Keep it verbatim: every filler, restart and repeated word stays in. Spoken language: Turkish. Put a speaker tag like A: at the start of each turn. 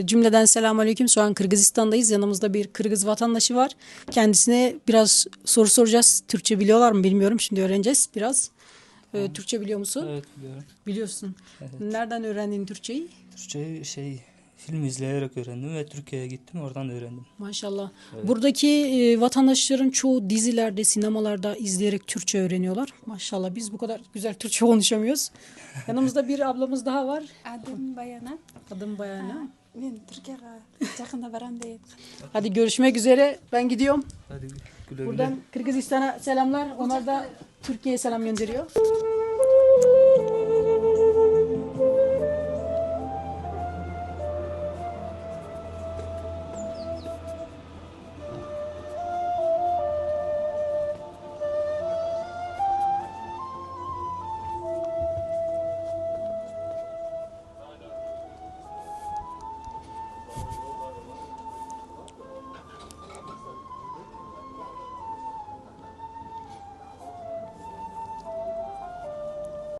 A: Cümleden selamünaleyküm. Şu an Kırgızistan'dayız. Yanımızda bir Kırgız vatandaşı var. Kendisine biraz soru soracağız. Türkçe biliyorlar mı bilmiyorum. Şimdi öğreneceğiz biraz. Ee, Türkçe biliyor musun?
B: Evet biliyorum.
A: Biliyorsun.
B: Evet.
A: Nereden öğrendin Türkçeyi?
B: Türkçeyi şey film izleyerek öğrendim ve Türkiye'ye gittim oradan öğrendim.
A: Maşallah.
B: Evet.
A: Buradaki e, vatandaşların çoğu dizilerde, sinemalarda izleyerek Türkçe öğreniyorlar. Maşallah biz bu kadar güzel Türkçe konuşamıyoruz. Yanımızda bir ablamız daha var.
C: Adım Bayana.
A: Adım Bayana.
C: Ben Türkiye'ye yakında varam değil.
A: Hadi görüşmek üzere. Ben gidiyorum.
B: Hadi güle güle.
A: Buradan Kırgızistan'a selamlar. Onlar da Türkiye'ye selam gönderiyor.